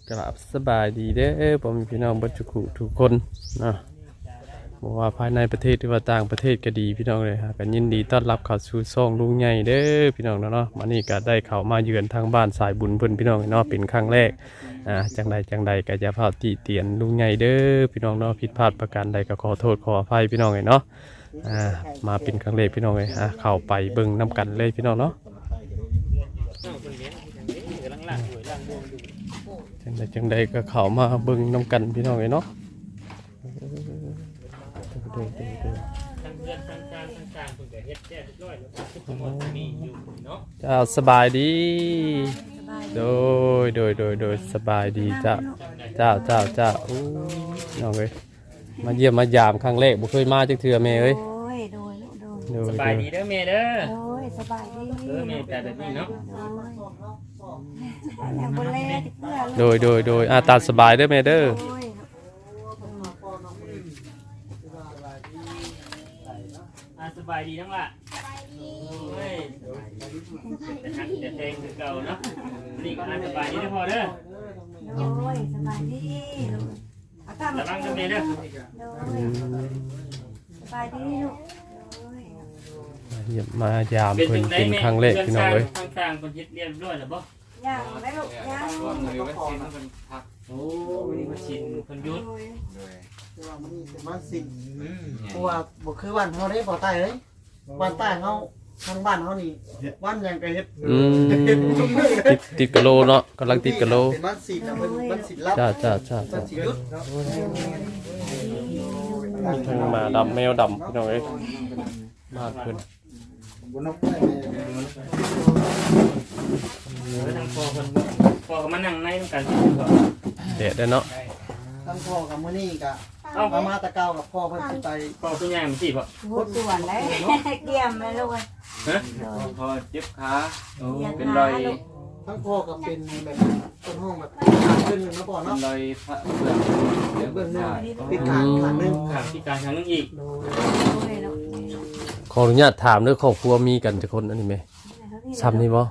กราบสบายดีเด้อผมพี่น้องบัจจุกุทุกคนนะบอกว่าภายในประเทศหรือว่าต่างประเทศก็ดีพี่น้องเลยฮะกันยินดีต้อนรับเข้าสู่ช่องลุงใหญ่เด้อพี่น้องเนาะมานี่ก็ได้เข้ามาเยือนทางบ้านสายบุญเพิ่นพี่น้องเนาะเป็นครั้งแรกจังใดก็จะพาติเตียนลุงใหญ่เด้อพี่น้องเนาะผิดพลาดประการใดก็ขอโทษขออภัยพี่น้องเลยเนาะมาเป็นครั้งแรกพี่น้องเลยเข้าไปเบิ่งน้ำกันเลยพี่น้องเนาะจังใดก็เข้ามาเบิ่งน้ำกันพี่น้องเลยเนาะเจ้าสบายดีโดยสบายดีเจ้าน้องเอ้ยมาเยี่ยมมายามครั้งแรกบ่เคยมาจักเทื่อแม่เอ้ยสบายดีเด้อแม่เด้อสบายดีแม่แต่แบบนี้เนาะโดยตามสบายเด้อแม่เด้อสบายดีทั้งละแต่เพลงคือเก่าเนาะนี่ก็สบายดีได้พอเด้อสบายดีระวังกันแม่เด้อสบายดีลูกมายามเพิ่นเป็นครั้งแรกพี่น้องเอ้ยต่างๆคนเฮ็ดเรียบร้อยแล้วบ่ยังได้ลูกยังโอ้นี่มาชินคนยุดคือว่ามันเป็นบ้านสิเพราะว่าบ่คือบ้านเฮาได้บ่ใต้เอ้ยบ้านใต้เฮาทางบ้านเฮานี่บ้านยังก็เฮ็ดติดกะโลเนาะกำลังติดกะโลเป็นบ้านสิน่ะเป็นบ้านสิลับจ้าบ้านสิยุดทั้งมาดำแมวดำพี่น้องเอ้ยมากขึ้นบ่นกได้ทางพ่อก็มานั่งในกันแดดได้เนาะทั้งพ่อกับมื้อนี้ก็มาตะเกากับพ่อเพิ่นสิไปพ่อเป็นยังมันสิบ่โหดส่วนแล้วเกี่ยมเลยลูกฮะพ่อเจ็บขาเป็นรอยทั้งพ่อก็เป็นแบบต้นห้องแบบขึ้นแล้วบ่เนาะรอยพระเบื้องหน้าพิการข้างนึงพิการข้างนึงอีกขออนุญาตถามเรื่องครอบครัวมีกันจักคนอันนี้ไหมซ้ำนี่บ่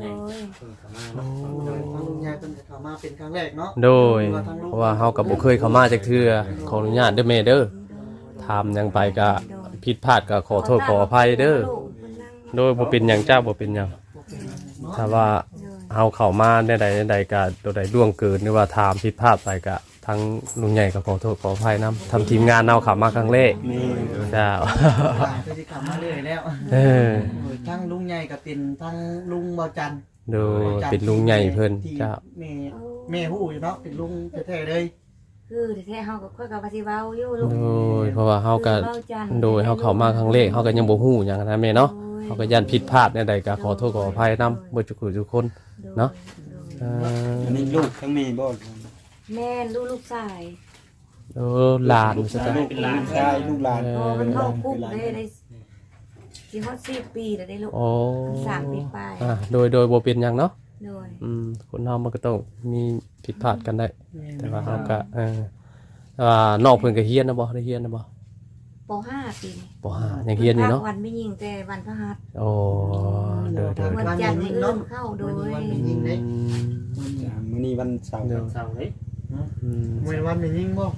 ยายเป็นเข้ามาเป็นครั้งแรกเนาะโดยเพราะว่าเฮากับบ่เคยเข้ามาจักเทื่อขออนุญาตเด้อแม่เด้อถามหยังไปก็ผิดพลาดก็ขอโทษขออภัยเด้อโดยบ่เป็นหยังเจ้าบ่เป็นหยังถ้าว่าเฮาเข้ามาได้ใดก็ตัวใดล่วงเกินหรือว่าถามผิดพลาดไปก็ทั้งลุงใหญ่ก็ขอโทษขออภัยนำทำทีมงานเอาเข้ามาครั้งแรกเจ้าเคยสิเข้ามาเรื่อยแล้วทั้งลุงใหญ่ก็เป็นทั้งลุงเบาจันโดยเป็นลุงใหญ่เพิ่นเจ้าแม่ฮู้อยู่เนาะเป็นลุงแท้ๆเลยคือแท้ๆเฮาก็ค่อยกับสิเว้าอยู่ลูกโดยเพราะว่าเฮาก็โดยเฮาเข้ามาครั้งแรกเฮาก็ยังบ่ฮู้หยังนะแม่เนาะเฮาก็ย่านผิดพลาดในใดก็ขอโทษขออภัยนำเบิดทุกคนเนาะอันนี้ลูกทั้งแม่บ่แม่ลูกชายหลานซะจ้ะเป็นหลานชายลูกหลานมันเข้าคุกได้สิฮอด10 ปีแล้วได้ลูก3 ปีไปโดยบ่เป็นหยังเนาะโดยคนเฮามันก็ต้องมีผิดพลาดกันได้แต่ว่าเฮาก็ว่านอกเพิ่นก็เฮียนนะบ่ได้เฮียนนะบ่ป.5 ปีนี้ป.5 ยังเฮียนอยู่เนาะวันไม่ยิงแต่วันพฤหัสโอ้โดยวันจันทร์มื้อเข้าโดยวันไม่ยิงเด้มื้อนี้วันเสาร์เด้มื้อวันไม่ยิงบ่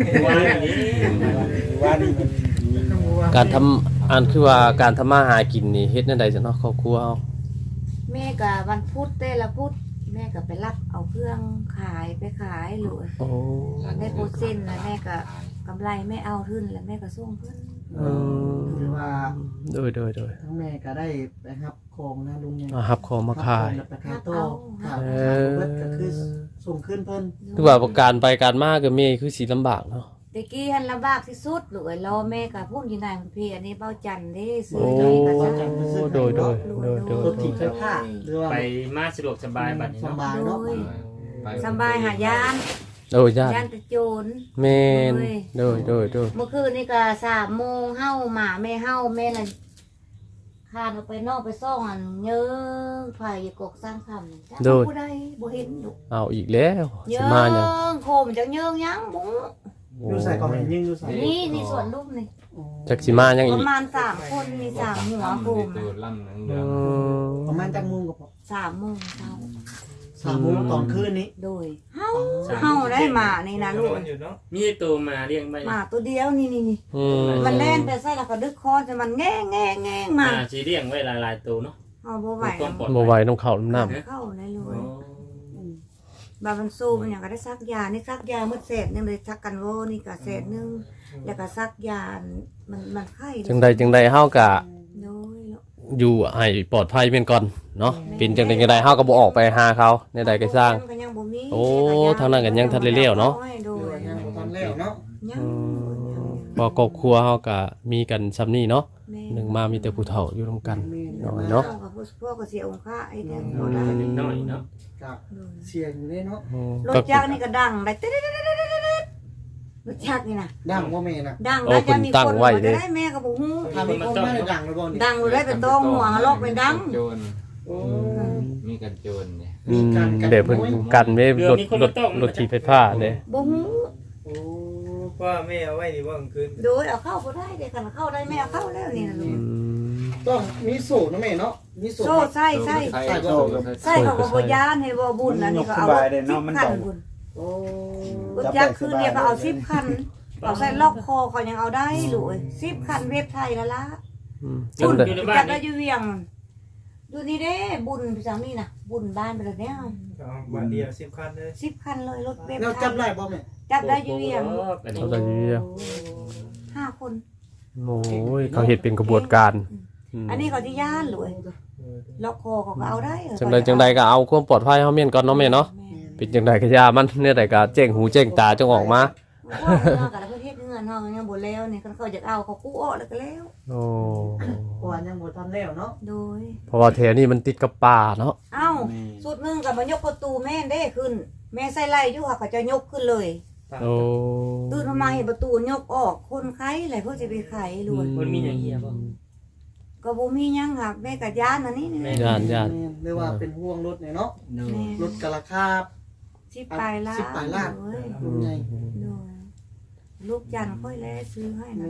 วันนี้การทำอันคือว่าการทำมาหากินนี่เฮ็ดแนวใดจ้ะเนาะครอบครัวเฮาแม่ก็วันพุธแต่ละพุธแม่ก็ไปรับเอาเครื่องขายไปขายหรือได้โปรเซ็นต์แล้วแม่ก็กำไรไม่เอาทุนแล้วแม่ก็ส่งเพิ่นคือว่าโดยทั้งแม่ก็ได้ไปรับของนะลุงเนี่ยรับของมาขายไปขายโต๊ะก็คือส่งขึ้นเพิ่นคือว่าการไปการมาก็แม่คือสิลำบากเนาะตะกี้หันลำบากที่สุดลูกรอแม่กับพูดอยู่ไหนคุณพี่อันนี้เบ้าจันทร์ได้ซื้อให้กับจันทร์โดยรถถีบไฟฟ้าไปมาสะดวกสบายบัดนี้สบายเนาะสบายหายานญาติโจรแม่นโดยเมื่อคืนนี่ก็3 โมงเฮาหมาแม่เฮาแม่น่ะคานออกไปนอกไปซ่องอันเยิงไผกกสร้างคำผู้ใดบ่เห็นลูกเอาอีกแล้วสิมาหยังโคมจังเยิงยังบ่ดูใส่ก่อนยิงดูใส่นี่ส่วนรูปนี่จักสิมายังอีกประมาณ3 คนมี3 หัวโคมประมาณจักโมงก็พอ 3 โมงเช้า 3 โมงตอนคืนนี้โดยเฮาได้มานี่นะลูกมีตัวมาเลี้ยงไปมาตัวเดียวนี่อืมมันแล่นไปใส่แล้วก็ดึกคอจะมันแง่มาสิเลี้ยงไว้หลายๆตัวเนาะเฮาบ่ไหวความปลอดบ่ไหวน้ำเข้าน้ำน้เข้าเลยเลยบามันสู้มันอย่างก็ได้ซักยานี่ซักยามืดเศษนึงเลยซักกันโวนี่ก็เศษนึงแล้วก็ซักยามันไข้ำจังใดเฮากะน้อยอยู่ให้ปลอดภัยเป็นก่อนเนาะเป็นจังใดเฮาก็บ่ออกไปหาเขาในใดก็สร้าง โอ้ทางนั้นก็ยังทันได้เลี้ยวเนาะโดเดี๋ยวย ยังบ่ทันแล้วเนาะยังพอครอบครัวเฮาก็มีกันซ้ำนี้เนาะแม่หนึ่งมามีแต่ผู้เฒ่าอยู่ร่วมกันน้อยเนาะพ่อก็เสียองค์ค่าไอ้เดียวบ่ได้นิดหน่อยเนาะก็เสียงอยู่เด้เนาะรถจักรนี่ก็ดังได้รถจักรนี่นะดังบ่แม่น่ะดังได้จะมีคนมาได้แม่ก็บ่ฮู้ถ้ามีคนมาได้ดังแล้วบ่นี่ดังได้เป็นต้องหัวลอกเป็นดังโจรโอ้มีกันโจรเนี่ยเดี๋ยวเพิ่นกันไว้รถถีบไฟฟ้าเด้บ่ฮู้โอ้ว่าแม่เอาไว้นี่ว่ากลางคืนโดยเอาเข้าบ่ได้เด้กันเข้าได้แม่เอาเข้าแล้วนี่นะลูกต้องมีโซ่นะแม่เนาะมีโซ่โซ่ใส่ใส่โจรใส่เขาก็บ่ยานให้บ่บุญอันนี้ก็เอา10คันบุญโอ้รถจักรคืนเดียวก็เอา10คันเอาใส่ล็อกคอเขายังเอาได้ลูก10คันเว็บไทยละละจังบุญใดอยู่ในบ้าจันกได้นี่อยู่เวียงดูนี่เด้บุญพี่จังนี่น่ะบุญบ้านไปแล้วเนี่ยเอาบาทเดียว10 คันเลย 10คันเลยรถเว็บแล้วไทจับยได้บ่แม่จับได้อยู่เวียงเขาจะอยู่เวียง 5คนโอ้ยเขาเฮ็ดเป็นกระบวนการอันนี้เขาที่ย่านเลยล็อกคอเขาก็เอาได้จังใดก็เอาความปลอดภัยเฮาเมียนก่อนเนาะแม่เนาะเป็นจังใดก็อย่ามันเนี่ยใดก็แจ้งหูแจ้งตาจงออกมาว่ากับประเทศเงินเฮายังบ่แล้วนี่เขาอยากเอาเขากู้ออกแล้วก็แล้วโอ้เพราะว่ายังบ่ทันแล้วเนาะโดยเพราะว่าแถวนี้มันติดกับป่าเนาะเอ้าสุดนึงกับมายกประตูแม่ได้ขึ้น แม่ใส่ไล่อยู่ค่ะเขาจะยกขึ้นเลยโอ้ตื่นมาเห็นประตูยกออกคนไข้อะไรเพื่อจะไปไขรวยมันมีอย่างเงี้ยบ่ก็บ่มีหยังค่ะแม่กับย่านอันนี้นี่แม่ย่านหรือว่าเป็นห่วงรถเนี่ยเนาะแม่รถกะราคาสิบปลายล้าน 10 ปลายล้านเว้ยรุ่นใหญ่โดยลูกจันทร์ค่อยแลซื้อให้นะ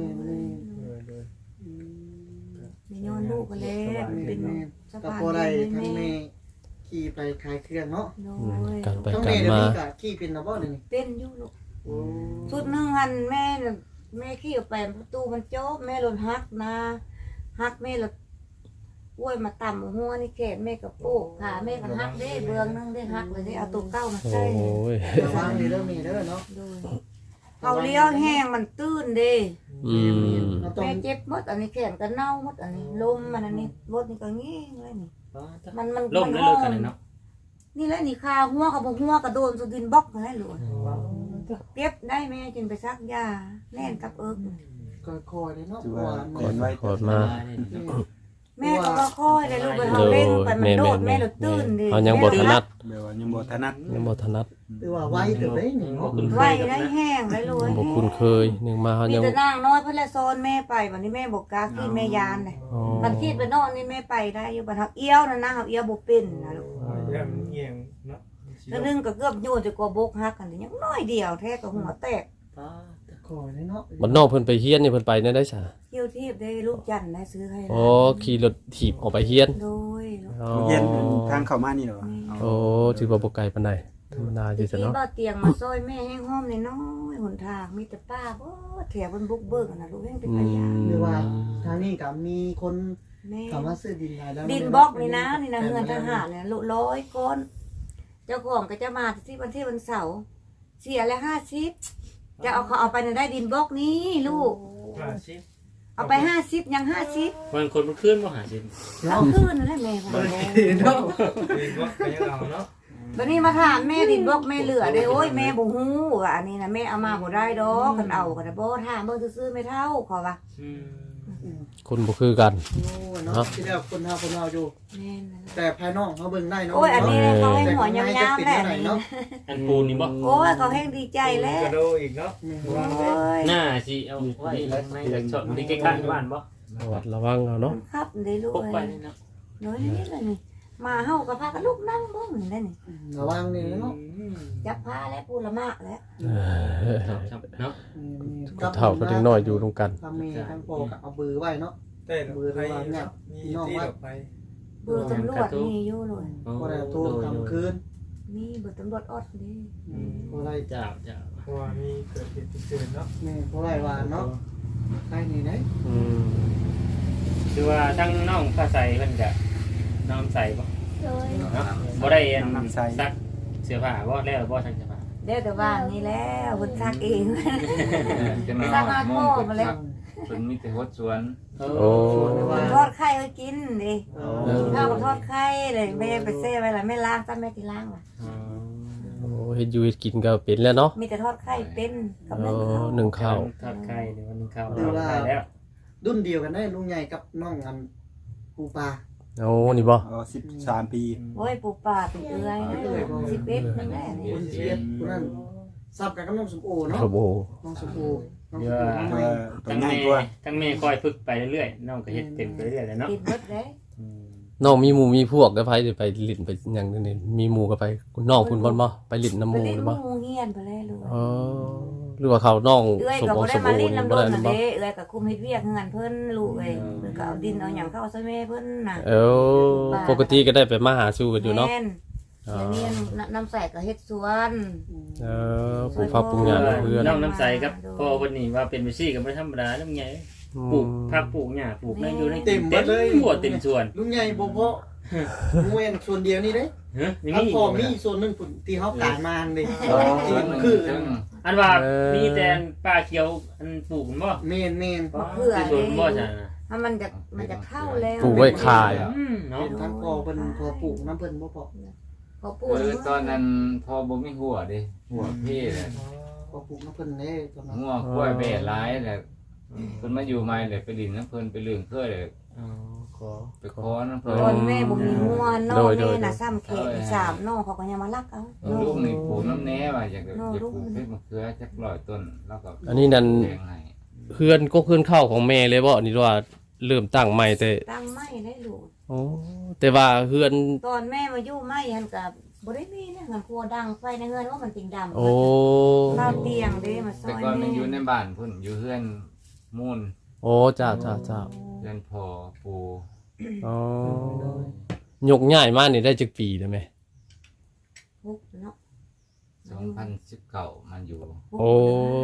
มีย้อนลูกก็แล้วเป็นสะก็พานพอได้ให้ทั้งแม่แม่ขี่ไปขายเครื่องเนาะโดยการไปทั้งกาแม่รเดี๋ยวมานี้ก็ขี่เป็นนะบ่เดี๋ยวนี้เป็นอยู่ลูกโอ้สุดหนึงหันแม่น่ะแม่ขี้ออกไปประตูมันโจ๊บแม่หล่นหักนะหักแม่หล่นอ้วยมาต่ำหัวนี่แขนแม่กับโปกขาแม่ก็หักได้เบืองนึงได้หักเลยได้เอาตัวเก้ามาโอ้ใส่ยระวังนี่เด้อมีเด้อเนาะโดยเขาเลี้ยวแห้งมันตื้นเด้อืมเราต้องแม่เจ็บหมดอันนี้แขนก็เน่าหมดอันนี้ลมมันอันนี้รถนี่ก็งี้เลยนี่มันล่มแล้วเลิกกันเลยเนาะนี่แหละนี่คาหัวกับหัวกระโดนสุดินบล็อกอะไรหลวเก็บได้แม่จึงไปซักยาแล่นกับเอิกก็คอยเลยเนาะถือว่าว่าแม่ก่อนไว้ขอดมาแม่ก็ว่าค่อยเลยลูกไปเขาเล่นไปมันโดดแม่หลุดตื้นดิเขายังบ่ถนัดแบบว่ายังบ่ถนัดยังบ่ถนัดคือว่าไว้เดี๋ยวได้นี่เนาะไหวได้แห้งได้รวยบ่คุ้นเคยหนึงมาเขามียังแต่นางน้อยเพื่อนละโซนแม่ไปวันนี้แม่บอกกาขี้แม่ยานเลยอ๋อมันขี้ไปนอนนี่แม่ไปได้อยู่บัดเขาเอี้ยวนะเขาเอี้ยวบ่เป็นนะลูกเรื่องมันเอียงเนาะแล้วนึงก็เกือบโยนจะกลัวบกหักกันยังน้อยเดียวแท้ก็หัวแตกคอยเลยเนาะบ้านนอกเพิ่นไปเฮียนนี่เพิ่นไปได้ซะเที่ยวทีบได้ลูกจันทร์ได้ซื้อให้อ๋อขี่รถถีบออกไปเฮียนโดยอ๋อเย็นทางเข้ามานี่เหรอโอ้ถือว่าบ่ไกลปานใดธรรมดาอยู่ทีซะเนาะบ่เตียงมาซอยแม่แห้งห้อมน้อยหนทางมีแต่ป้าบ่แถวบนบุกเบิกนะลูกแห้งเป็นขยะหรือว่าทางนี้ก็มีคนแม่ถามว่าซื้อดินได้แล้วดินบล็อกนี่นะนี่นะเงินทหารเนี่ย100ก้อนเจ้าของก็จะมาที่วันเสาร์เสียละ50จะเอาเขาเอาไปได้ดินบล็อกนี้ลูก 50 เอาไป50ยัง50 มันคนมันขึ้นบ่หาดินเอาคืนนั่นแหละแม่ของเนาะดีบ่ก็ยังเอาเนาะบัดนี้มาถามแม่ดินบล็อกแม่เหลือเด้โอ้ยแม่บ่ฮู้ว่าอันนี้นะแม่เอามาบ่ได้ดอกคันเอาก็ได้บ่ถามเบิ่งซื่อๆไม่เท่าขอว่าคนบ่คือกันโอ้เนาะที่แล้วคนเฮาอยู่แม่นนั่นแหละแต่ภายนอกเขาเบิ่งได้เนาะโอ้ยอันนี้เขาให้หัวยาวๆแหละเนาะอันปูนนี่บ่โอ้ยเขาแห้งดีใจแล้วกระโดดอีกเนาะโอ้ยหน้าสิเอาไว้ในช็อตที่ใกล้ๆบ้านบ่ระวัดระวังเอาเนาะครับได้ลูกพกไปเอ้ยเนาะน้อยนิดเลยนี่มาเฮาก็พากันลูกนั่งเบิ่งนี่ได้นี่ระวังนี่เนาะจับผ้าและปูละมากแล้วเนาะผู้เฒ่าก็เด็กน้อยอยู่ร่วมกันทำมีทั้งโปก็เอาบือไว้เนาะเต้นไปมีที่ดอกไปเบอร์ตำรวจมีอยู่เลยบ่ได้โทรกลางคืนโมีเบิดตำรวจออดเด้บ่ได้จ้าเพราะว่ามีเกิดเหตุฉุกเฉินเนาะแม่บ่ได้ว่าเนาะใครนี่ได้อืมคือว่าทั้งน้องผ้าใสเพิ่นก็น้องใส่บ่โดยเนาะบ่ได้อันซักเสื้อผ้าบ่แล้วบ่ซักเสื้อผ้าเด้แต่บ้านนี่แล้วเพิ่นซักเองจะมาซักมาโม่มาเลยเพิ่นมีแต่ฮดสวนโอ้ทอดไข่ให้กินดิกินข้าวกับทอดไข่เลยแม่ไปเซ่ไว้ล่ะแม่ล้างตั้งแม่ที่ล้างล่ะโอ้เฮ็ดอยู่เฮ็ดกินก็เป็นแล้วเนาะมีแต่ทอดไข่เป็นกับโอ้นึ่งข้าวหนึ่งข้าวทอดไข่หรือว่านึ่งข้าวทอดไข่แล้วรุ่นเดียวกันได้ลุงใหญ่กับน้องอันปูปลาโอ้นี่บ่อ๋อ13 ปีโอ้ยปูป่าเป็นเอื้อยนะ11นั่นแหละนี่คนเชียร์คนนั้นซับกันกับน้องสมโอเนาะครับโอ้น้องสมโอน้องสเยมอะโอตัวทั้งใหญ่แม่กว่าทั้งแม่คอยฝึกไปเรื่อยๆน้องก็เฮ็ดเป็นไปเรื่อยๆเลยเนาะกินเบิดเด้น้องมีหมู่มีพวกก็ไปสิไปลิ้นไปหยังนี่มีหมู่ก็ไปน้องคุณบ่บ่ไปลิ้นน้ำหไปมู่เล่นหรือบ่หมู่เฮียนไปเลยลูกอ๋อหรือว่าเขาน้องเอื้อยสมก็โอบ่สได้มมาโอลิ้นนี่น้ำบ่โดได้นนั่น่ะนบ่เด้เอื้อยก็คุมเฮ็ดเวียกเงินเพิ่นลูกเอ้ยเพิ่นก็เอาดินเอาหยังเข้าใส่แม่เพิ่นน่ะเออปกติก็ได้ไปมาหาสู่กันอยู่เนาะแม่อ๋อแล้วเนี่ยน้ำใสก็เฮ็ดสวนเออปลูกผักปลูกหญ้ากับเพื่อนน้องน้ำใสครับพ่อวันนี้ว่าเป็นไปซี่ก็บ่ธรรมดาน้ำใหญ่ปลูกผักปลูกหญ้าปลูกนั่นอยู่ในหัวเต็มสวนลุงใหญ่บ่เพาะมวยส่วนเดียวนี่เด้ฮะนี่ถ้ามีพอมีส่วนหนึงที่เฮากางมาเด้อ๋อคืออันว่ามีแต่ป่าเขียวอันปลูกบ่แม่นมะเขือที่สวนบ่จ้ะถ้ามันจะเข้าแล้วปลูกไว้ขายเนาะทั้งพอเพิ่นพอปลูกน้ำเพิ่นบ่พอพอปลูกตอนนั้นพอบ่มีหัวเด้หัวเพ่เลยพอปลูกน้ำเพิ่นเด้ตอนนั้นหัวกล้วยเบะหลายแหละเพิ่นมาอยู่ใหม่เลยไปดินน้ำเพิ่นไปเรื่องเคยเลยอ๋อขอไปขอน้ำเพิ่นตอนแม่บ่มีงัวน้องแม่น่ะซ้ำเขตอีสามน้องเขาก็ยังมารักเอาลูกนี่ปลูกน้ำแหน่ว่าอยากปลูกเพชรมะเขือจัก100ต้นแล้วก็อันนี้นั่นแบ่งให้เพื่อนก็เพื่อนเข้าของแม่เลยบ่นี่ว่าเริ่มตั้งใหม่แต่ตั้งไม้ได้ลูกโอ้แต่ว่าเพื่อนตอนแม่มาอยู่ไม้หันกับบ่ได้มีนะหันครัวดังไฟในเฮือนว่ามันติงดำโอ้ข้าวเตียงเด้มาซอแต่ยก่อนมัแม่นอยู่ในบ้านพุ่นอยู่เฮือนมูลโอ้จ้าจ้าจ้าเฮือนพ่อปู่อ๋อยกง่ายมากนี่ได้จักปีได้ไหมพุกเนาะ 2019มันอยู่โอ้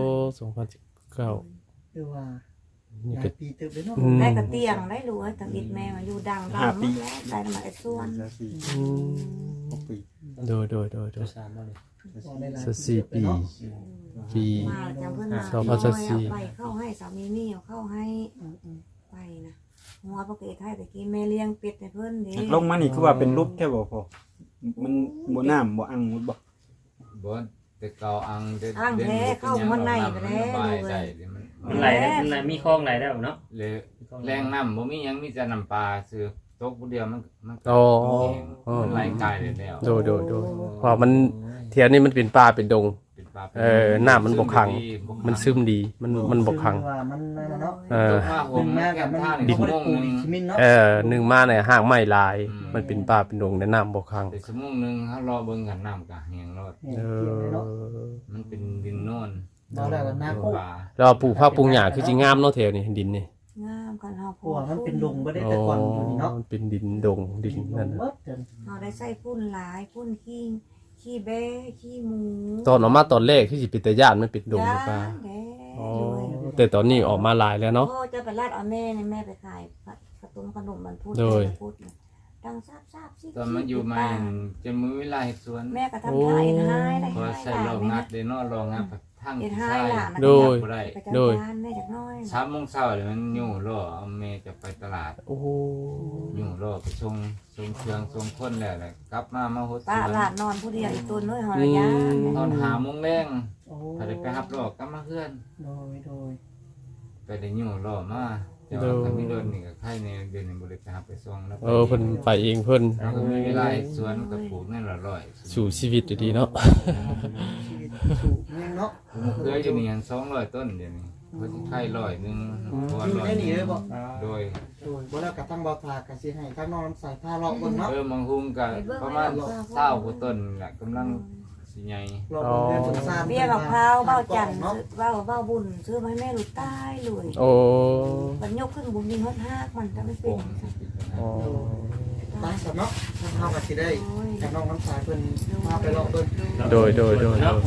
2019 คือว่านี่หลาก็ยปีเติบเลยเนาะได้กระเตียงได้ลูกตั้งอิดแม่มาอยู่ดังดังหมดแล้วได้มาไอ้ส่วน 6 ปีโดยตัวสามบ่เลยสัก4 ปีปีมาจังเพิ่นมาสองพันสิบสี่เอาไปเข้าให้สามีนี่เอาเข้าให้ไปนะหัวปกติไทยตะกี้แม่เลี้ยงเป็ดให้เพิ่นเด้ลงมานี่คือว่าเป็นรูปแค่บ่พอมันบ่น้ำบ่อังบ่บ่แต่เก่าอังได้อ้างแท้เข้ามันในไปแล้วระบายลูกได้เอ้ยมันไหลได้มันไหลมีคลองไหลได้บ่เนาะเลยแรงน้ำบ่มีหยังมีแต่น้ำปลาซื้อตกผู้เดียวมันอ๋อมันไหลกายได้แล้วโดยเพราะมันเทียนนี่มันเป็นป่าเป็นดงเป็นปลาน้ำมันบ่ขัง มันซึมดีมันบ่ขังว่ามันนั่นเนาะเออตกมาผมมาแก้กับมมันท่าดินี่นชั่วบ่โมได้งปลูนึกงชิมินเนาะหนึ่งมาเนี่ยห่างไม่ลาย มันเป็นป่าเป็นดงในน้ำบ่ขังแต่ชั่วโมงนึงเฮารอเบิ่งกันน้ำก็แห้งรอดเออมันเป็นดินโน่นบ่ได้ว่านาโคปลาเราปลูกผักปลูกหญ้าคือสิงามเนาะแถวนี้ดินนี่งามกันเฮาเพราะว่ามันเป็นดงบ่ได้แต่ก่อนอยู่นี่เนาะมันเป็นดินดงดินนั่นเบิน่ะดจนเฮาได้ใส่พุ่นหลายพุ่นขี้แบ้ขี้หมูตอนออกมาตอนแรกคือสิเป็นตาย่านมันเป็นดงหรือเปล่าแด้อ๋อแต่ตอนนี้ออกมาหลายแล้วเนาะพ่อจะไปลาดเอาแม่ในแม่ไปขายขนมมันพูดโดยพูดดังซาบซิตอนมันอยู่มาจะมือเวลาเฮ็ดสวนแม่ก็ทำท่าเอ็นไฮได้พอใส่รองงัดได้นอนรองงัดทั้งเอ็นไฮใช่ล่ะโดยบ่ได้ไปจัดการแม่จากน้อย 3 โมงเช้าเลยมันอยู่รอเอาแม่จะไปตลาดโอ้โหอยู่รอไปส่งเครื่องส่งคนแล้วแหละกลับมาโฮสป้าวนหลานนอนผู้เดียวอีกตัวน้อยหอยยาตอน5 โมงแรงโอ้ถ้าได้ไปรับรอกลับมาเพื่อนโดยไปได้อยู่รอมาแต่ว่าถ้ามีรถนี่ก็ใครในเดือนนี้บ่ได้ไปรับไปส่งแล้วเพิ่นไปเองเพิ่นแล้วก็มีเวลาเฮ็ดสวนก็ปลูกนั่นละร้อยสู่ชีวิตดีๆเนาะชีวิตสู่เมืองเนาะผมเคยอยู่นี่ยัง200 ต้นเดี๋ยวนี้เพิ่นไข่100นึงเพราะว่าอยู่ 100 ในนี่เลยบ่โดยบ่แล้วก็ทั้งบ่ทาก็สิให้ทั้งน้องใส่ผ้าเลาะเบิ่งเนาะมังหุงก็ประมาณ20กว่าต้นแหละกำลังสิใหญ่เลาะเบิ่งเพื่อนสงสารเบี้ยกับพร้าวเบ้าจันทร์เบ้าบุญซื้อมาให้แม่ลูกใต้เลยโอ้มันยกขึ้นบุญยิงฮอดฮากมันถ้าไม่เป็นอ๋อถ้าไปสำเนาะทางเฮาก็สิได้ให้น้องน้ำสายเพิ่นมาไปเลาะเบิ่งโดยเนาะ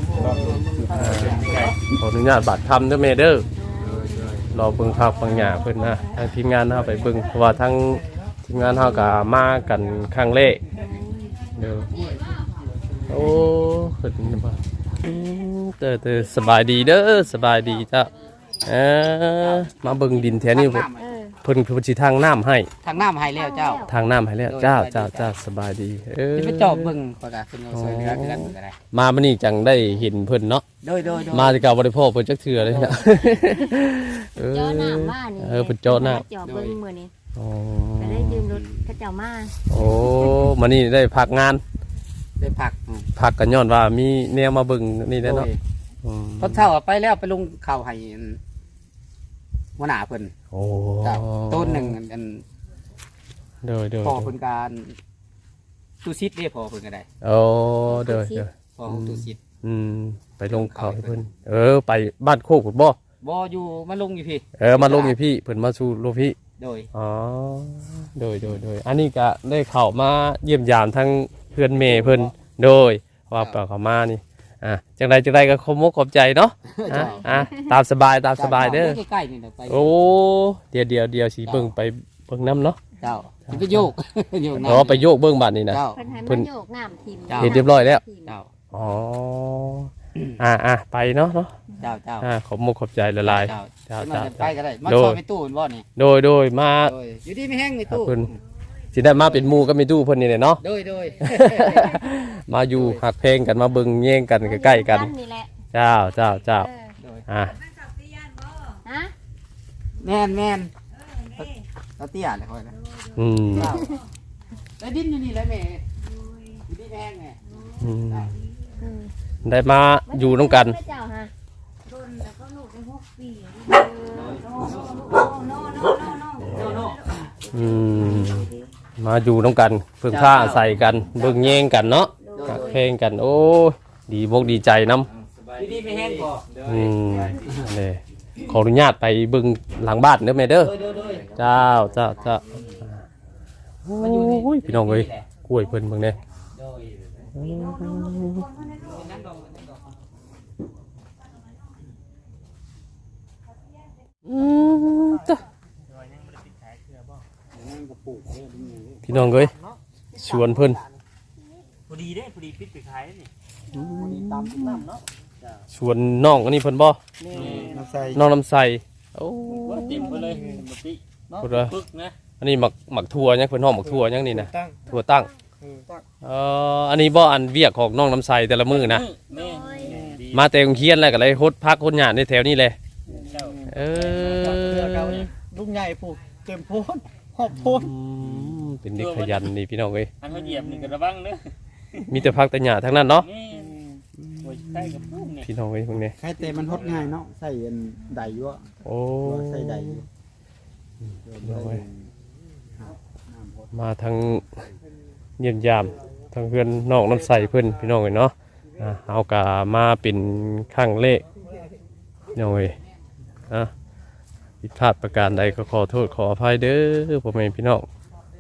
ขออนุญาตบัตรคำเด้อแม่เด้อรอเบิ่งภาพบางอย่างเพิ่นนะทางทีมงานเฮาไปเบิ่งเพราะว่าทั้งทีมงานเฮาก็มากันครั้งแรกเด้อโอ้เพิ่นบ่เด้อสบายดีเด้อสบายดีจ้ะมาเบิ่งดินแถวนี้เพิ่นสิทางน้ำให้ทางน้ำให้แล้วเจ้าทางน้ำให้แล้วเจ้าสบายดีจะไปจอบเบิ่งก็ได้เป็นเอาสวยเรือกันก็ได้มามื้อนี้จังได้เห็นเพิ่นเนาะโดยมาที่เก่าบ่ได้พ่อเพิ่นจักเทื่อเลยนะเจ้าหน้ามานี่เพิ่นเจ้าหน้าเจ้าเบิ่งมื้อนี้อ๋อก็ได้ยืมรถเขาเจ้ามาโอ้มานี่ได้พักงานได้ผักพักกันย้อนว่ามีแนวมาเบิ่งนี่แหละเนาะตอนเช้าไปแล้วไปลงข้าวให้หัวหน้าเพิ่นโอ้เจ้าต้นหนึ่งอันเด้อพอเพิ่นการตูซิดเด้พอเพิ่นก็ได้โอ้เด้อพอของตูซิดไปลงเขาให้เพิ่นไปบ้านโคกพุ่นบ่บ่อยู่มาลงอยู่พี่มาลงอยู่พี่เพิ่นมาสู่โลพี่โดยอ๋อโดยอันนี้ก็ได้เข้ามาเยี่ยมยามทั้งเพื่อนเมย์เพิ่นโดยว่าเปล่าเข้ามานี่จังใดก็ขอบใจเนาะตามสบายเด้อใกล้ๆนี่เดี๋ยวไปโอ้เดี๋ยวสิเบิ่งไปเบิ่งน้ำเนาะเจ้าสิไปโยกโยกอ๋อไปโยกเบิ่งบัดนี่นะเจ้าเพิ่นให้มาโยกน้ำทิ่มเห็นเรียบร้อยแล้วเจ้าอ๋อไปเนาะเจ้าขอบใจละลายเจ้าไปก็ได้มาซอยไปตู้บ่นี่โดยมาโดยอยู่ดีไม่แห้งในตู้เพิ่นสิได้มาเป็นหมู่ก็มีตู้เพิ่นนี่แหละเนาะโดยมาอยู่หักเพลงกันมาเบิ่งแย่งกันใกล้ๆกันนี่แหละเจ้าโดยฮะแม่นเราเตี้ยเลยค่อยนะ แล้วดินอยู่นี่แหละแม่อยู่ที่แพงไงได้มาอยู่น้ำกันเจ้าฮะโดนแล้วก็ลูกได้6 ปีโนมาอยู่น้ำกันเพิ่งผ้าใส่กันเบิ่งแย่งกันเนาะหักเพลงกันโอ้ดีบกดีใจน้ำอยู่ที่ไม่แห้งก่อเลยขออนุญาตไปเบิ่งหลังบ้านเด้อแม่เด้อเจ้าโอ้ยพี่น้องเอ้ยกล้วยเพิ่นเบิ่งเด้พี่น้องเอ้ยชวนเพิ่นพอดีปิดไปขายนี่ตามน้ำเนาะชวนน้องอันนี้เพิ่นบ่น้ำใสน้องน้ำใสโอ้เต็มไปเลยบ่ติพุ่นว่าปึกนะอันนี้หมักถั่วยังเพิ่นห้องหมักถั่วยังนี่นะตั้งถั่วตั้งอันนี้บ่อันเวียกของน้องน้ำใสแต่ละมื้อนะแม่ดีมาแต่โรงเรียนแล้วก็เลยฮดพักฮดหยาดในแถวนี้เลยลูกใหญ่ปลูกเต็มโพนหอบโพนเป็นเด็กขยันนี่พี่น้องเอ้ยอันเขาเหยียบนี่ก็ระวังเด้อมีแต่พักแต่หยาทั้งนั้นเนาะแม่โอ้ยใกล้กับพุ่มนี่พี่น้องเอ้ยพวกนี้ใครเตะมันหดง่ายเนาะใส่ใดอยู่โอ้ใส่ใดมาทางเยี่ยมยามทางเพื่อนน้องน้ำใสเพื่อนพี่น้องเอ้ยเนาะเอากะมาเป็นข้างเลขน้องเอ้ยผิดพลาดประการใดก็ขอโทษขออภัยเด้อพ่อแม่พี่น้อง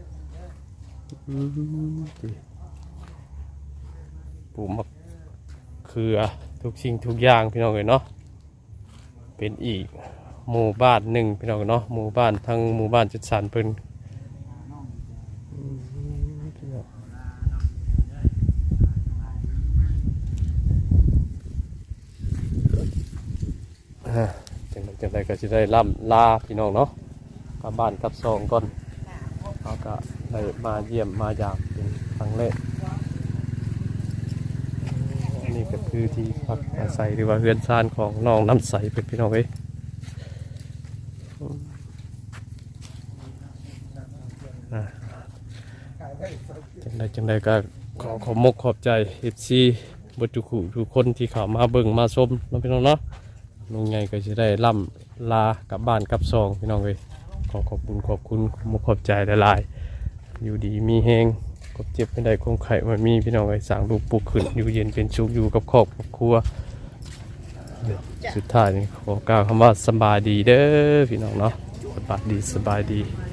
ปลูกมะเขือทุกสิ่งทุกอย่างพี่น้องเอ้ยเนาะเป็นอีกหมู่บ้านหนึ่งพี่น้องเนาะหมู่บ้านทั้งหมู่บ้านจัดสรรเพิ่นจังใดก็จะได้ล่ำลาพี่น้องเนาะกลับบ้านกลับซองก่อนเขาก็ได้มาเยี่ยมมายามเป็นครั้งแรกนี่ก็คือที่พักอาศัยหรือว่าเรือนซ่านของน้องน้ำใสเป็นพี่น้องเอ้ยจังใดก็ขอมกขอบใจFCบทุกคนที่เข้ามาเบิ่งมาชมน้องพี่น้องเนาะลุงใหญ่ก็จะได้ล่ำลากลับบ้านกลับซองพี่น้องเอ้ยขอบคุณมกขอบใจหลายๆอยู่ดีมีแหงกบเจ็บไม่ได้คงไข่มันมีพี่น้องเอ้ยสั่งลูกปลูกขึ้นอยู่เย็นเป็นชุกอยู่กับครอบครัวสุดท้ายนี่ขอกล่าวคำว่าสบายดีเด้อพี่น้องเนาะสบายดี